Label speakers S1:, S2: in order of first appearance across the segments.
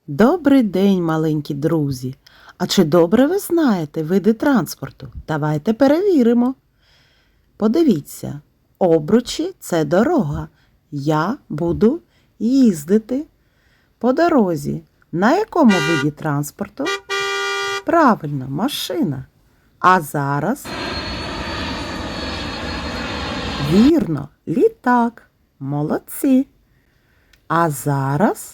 S1: Добрий день, маленькі друзі! А чи добре ви знаєте види транспорту? Давайте перевіримо. Подивіться, обручі – це дорога. Я буду їздити по дорозі. На якому виді транспорту? Правильно, машина. А зараз? Вірно, літак. Молодці. А зараз?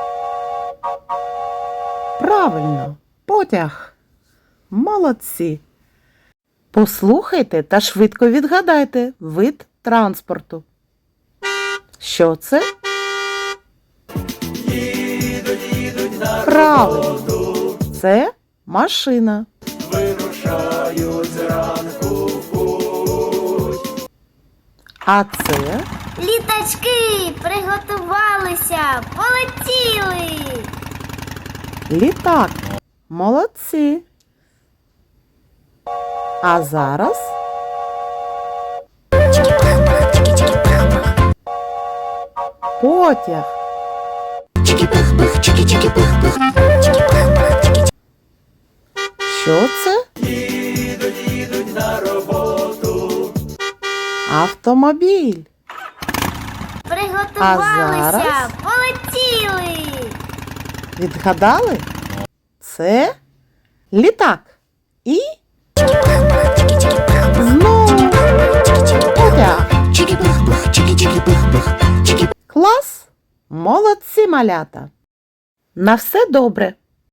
S1: Правильно, потяг. Молодці. Послухайте та швидко відгадайте вид транспорту. Що це?
S2: Їдуть на
S1: Правильно,
S2: роботу,
S1: це машина.
S2: вирушають зранку в путь.
S1: А це?
S3: Літачки приготувалися, полетіли.
S1: Літак. Молодці. А зараз? Потяг. Що це?
S2: Їдуть на роботу,
S1: Автомобіль.
S3: Приготувалися,
S1: зараз?
S3: полетіли.
S1: Відгадали? Це літак. І знову потяг. Клас! Молодці, малята! На все добре!